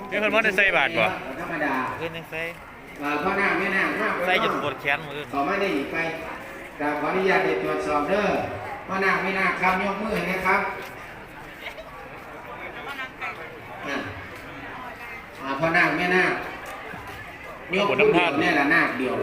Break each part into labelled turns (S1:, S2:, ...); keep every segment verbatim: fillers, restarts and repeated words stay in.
S1: มีคนมาได้ใส่บาทบ่
S2: ธรรมดา
S3: เพื่อนยังใส่
S2: พ่อหน้าแม่หน้าห้าม
S3: ใส่จนปวดแขนมือ
S2: ต่อไม่ได้อีกไปกราบขออนุญาตตรวจสอบเด้อพ่อหน้าแม่หน้าครับยกมือนะครับพ่อหน้าแม่หน้ายกมือเดียวนี่แหละหน้าเดียว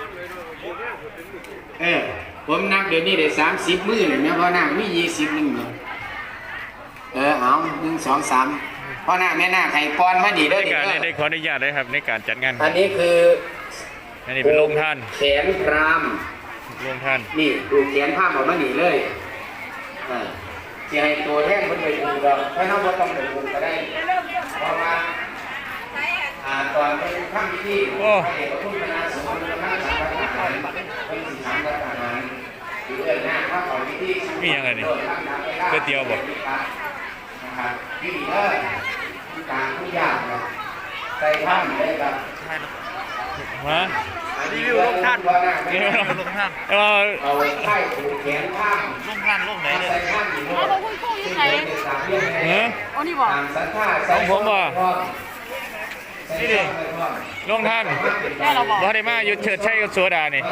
S2: เออผมนับเดี๋ยวนี้ได้สามสิบมือเลยนะพ่อหน้ามียี่สิบหนึ่งเลยเออเอาหนึ่งสองสามพ่อหน้าแม่หน้าไข่ปอนมาดีเด้อ
S1: ในการได้ขออนุญาตเลยครับในการจัดงาน
S2: อันนี้คือ
S1: อันนี้เป็นโรงท่าน
S2: แขนพราม
S1: โรงท่าน
S2: นี่ดูแขนผ้าออกมาหนีเลยอ่าจะให้ตัวแท่งมันไปดูเราถ้าเขาไม่ต้องไปดูก็ได้เพราะว่าอ่าตอนเป็นข้ามที่ให้เด็กพุ่งคณะสงฆ์เป็นข้ามสามประการเป็นสี่สามประการหรือเดินหน้าข้าของที่ที่
S1: มียังไงนี่ก๋วยเตี๋ยวบ่
S2: นะครับที่เลิศที่กลางทุกอย่างใส่ผ้าเลยครับ
S1: ฮะ
S3: รีวิวลงท่านรีวิวลงท่าน
S1: เอา
S2: เอาไข่ผูกแขนผ้า
S3: ลงท่านลงไหนเลย
S2: ใส่ผ้าอยู่ด้วย
S4: เอาคุณครูอยู่ไหน
S1: เออ
S4: อ๋อนี่บอก
S1: ของผมบ่นี่ดิลงท่าน
S4: แม่เราบอก
S1: บ่ได้มาอยู่เฉิดชัยกับโซดานี่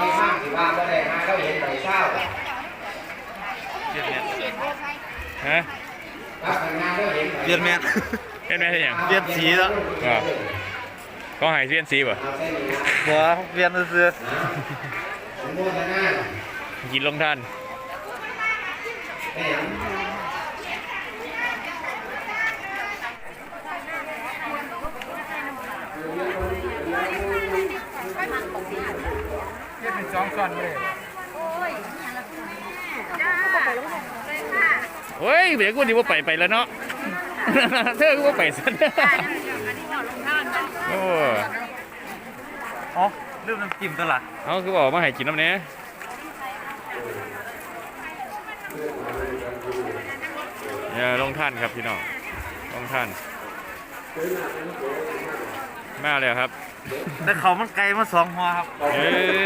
S1: ฮะ
S3: เปลี่ยนแม่
S1: เปลี่ยนแม่ได้ยัง
S3: เปลี่ยนสีแล้ว
S1: ก็หายเปลี่ยนสีบ่
S3: หัวเปลี่ยนเสื้อ
S1: กินลงท่าน
S2: เย็นเป็นสองซ้อนเลย
S1: โอ้ยเดี๋ยวกูดีว่าไปไปแล้วเนาะเธอกูว่าไปซะโอ้
S3: อ๋อเรื่องน้ำจิ้มตลาด
S1: เอาคือบอกมาให้กินน้ำเนี้ยเนี่ยลงท่านครับพี่น้องลงท่านมาเลยครับ
S3: แต่เขามันไกลมาสองหัวครับ
S1: เอ้ย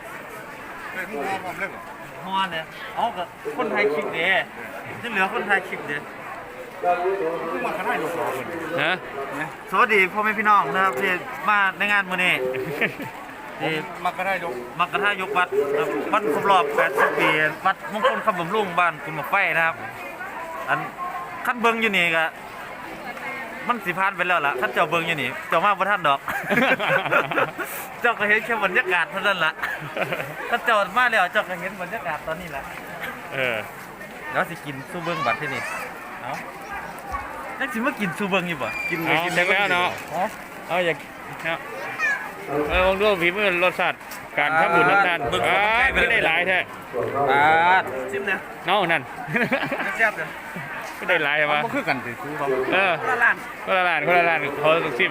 S3: หัวเนี่ยเอากับคนไทยคลิปเด้ที่เหลือคนไทยคลิปเด้มาขนาดลูกสาวคน
S1: ฮะ
S3: สวัสดีพ่อแม่พี่น้องนะครับที่มาในงานมื้อนี้ที่
S2: มักกระทายก
S3: มักกระทายกวัดวัดครบรอบแปดสิบปีวัดมงคลคำบำรุงบ้านกุลหมกไฟนะครับอันขั้นเบิ้งอยู่นี่ก็มันสิพานไปแล้วล่ะขั้นเจ้าเบิ้งอยู่นี่เจ้ามาบ่ทันดอกเจ้าก็เห็นแค่บรรยากาศเท่านั้นล่ะขั้นเจ้ามาแล้วเจ้าก็เห็นบรรยากาศตอนนี้แหละ
S1: เออ
S3: แล้วสิกินซูเบิ้งบัดที่นี่เอานักสิมากินซูเบิ้งอยู่บ่
S1: กินไปกินแล้วเนาะเอาอยากเออลองดูฝีมือรสชาติการทำบุญน้ำตาลไม่ได้หลายแท้
S3: ชิมเนี่ย
S1: น้องนั่น
S3: แซ่บเลย
S1: ไม่ได้หลายใช่ไหม
S3: ก็คือกันสิซื้อเขา
S1: เออ
S3: คนละร้าน
S1: คนละร้านคนละร้านเขาต้องชิม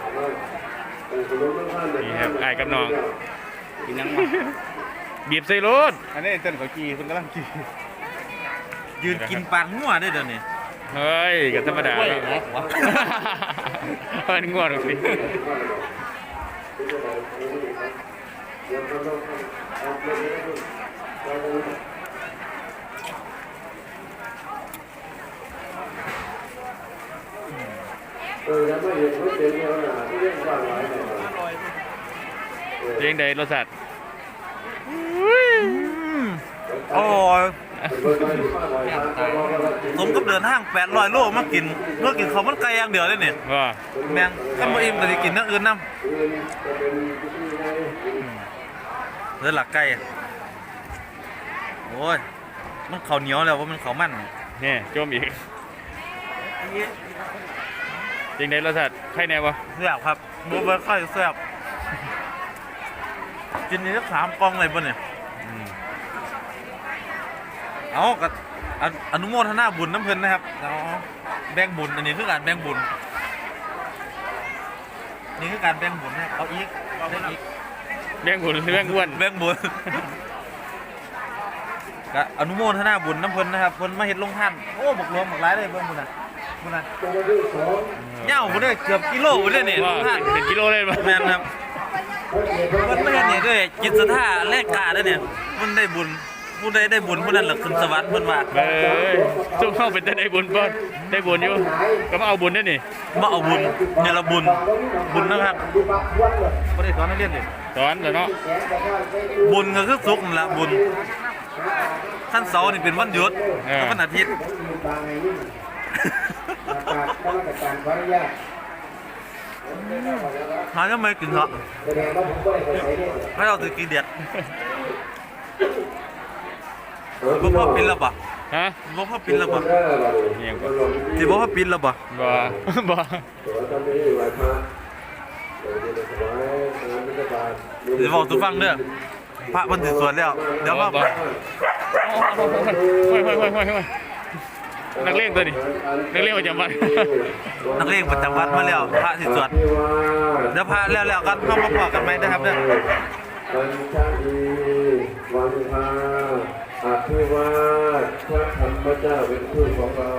S1: นี่ครับไอ้กับน้อง
S3: กินยัง
S1: บีบใส่รถ
S3: อันนี้เต้นเขากีคุณกำลังกียืนกินปานงัวได้เดี๋ยวนี้
S1: เฮ้ยก็ธรรมดาแล้วเป็นงัวหรอกสิเลี้ยงใดรสชาติ
S3: โอ้ยผมก็เดินห้างแปดร้อยโลมากินเมื่อกินเขามันไกลอย่างเดียวเลยเนี่ย
S1: ว่า
S3: แมงถ้ามาอิ่มแต่จะกินนั่งอื่นน้ำเรื่องหลักไก่โอ้ยมันเขาเหนียวแล้วว่ามันเขามัน
S1: เนี่ยโจมอีกจริงในรสชาติใครแน่วะ
S3: แซ่บครับบัวเบอร์ค่อยแซ่บกินนี้สักสามกล่องเลยป่ะเนี่ยเอากับอนุโมทนาบุญน้ำเพลินนะครับเอาแบ่งบุญอันนี้คือการแบ่งบุญนี่คือการแบ่งบุญนะครับเอาอีกเอาอีก
S1: แบ่งบุญแบ่งอ้วน
S3: แบ่งบุญก็อนุโมทนาบุญน้ำเพลินนะครับเพลินมาเห็ดลงท่านโอ้บกรวมบกร้ายเลยเบื้องบุญนะบุญนะเงาบุญได้เกือบกิโลบุญได้เนี่ยลงท่าน
S1: เป็นกิโลเลย
S3: แม่นครับมันไม่เห็นเนี่ยด้วยจิตศรัทธาแลกกาด้วยเนี่ยมันได้บุญผู้ใดได้บุญผู้นั้นแหละขึ้นสวรรค์เพิ่นว่า
S1: เอ้ยซุ่มเข้าเป็นแต่ได้บุญบ่ได้บุญอยู่ก็มาเอาบุญด้วยนี่
S3: มาเอาบุญเนี่ยละบุญบุญนะครับบ่ได้สอนนักเรียนดิ
S1: สอนแล้วเนาะ
S3: บุญก็คือสุขนั่นล่ะบุญขั้นเสาร์นี่เป็นวันหยุดกับวันอาทิตย์ หายังไม่กินเหรอไม่เอาถือกินเด็ดบ่พ่อปินแล้วปะ
S1: ฮะ
S3: บ่พ่อปินแล้วปะ
S1: เงียบบ่
S3: สิบ่พ่อปินแล้วปะ
S1: บ่ บ่
S3: สิบอกทุกฟังเด้อพระมันสิสวดแล้วเดี๋ยวมา
S1: บ่โอ้ยโอ้ยโอ้ยโอ้ยโอ้ยนักเลงตัวนี้นักเลงประจำวัน
S3: นักเลงประจำวัดมาแล้วพระสิสวดเดี๋ยวพระแล้วแล้วกันเข้ามาพอกันไหมนะครับเด้อ
S4: ปัญชลีวันพาอภิวาทพระธรรมเจ้าเป็นผู้ของเรา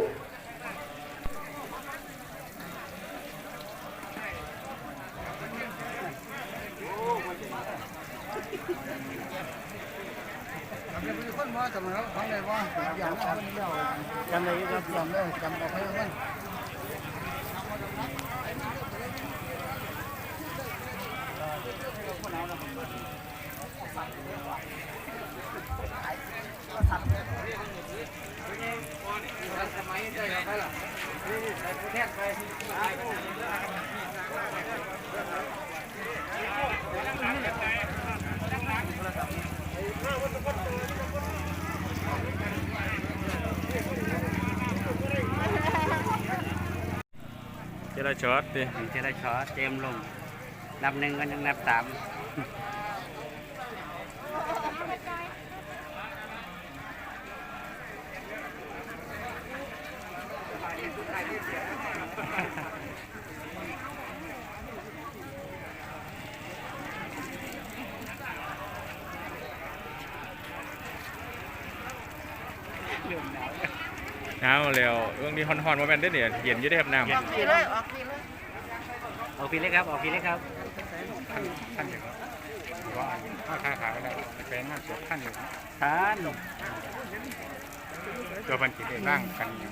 S1: เจรช็อตดิ
S5: เจรชอเจมลงนับหนึ่งก็ยังนับสาม
S1: หนาวแล้วเรื่องนี้ฮ้อนๆบ่แม่นเด้อเนี่ยเย็นอยู่ได้ครับน้ำ
S5: ออกพีเลยครับออกพีเลยครับ
S6: ท่านอยู่ว่าถ้าค้าขายแล้วเป็นงานศพท่านอยู่
S5: ทาน
S6: ตัวบันจิตได้ร่างกันอยู่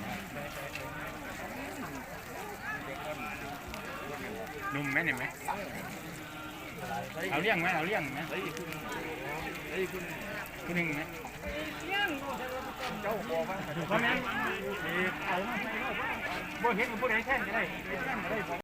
S6: นุ่มไหมเนี่ยไหมเอาเลี้ยงไหมเอาเลี้ยงไหมที่หนึ่งไหมเจ้าบอกว่าเพราะงั้นเอาบ่เห็นผู้ใดแท่นก็ได้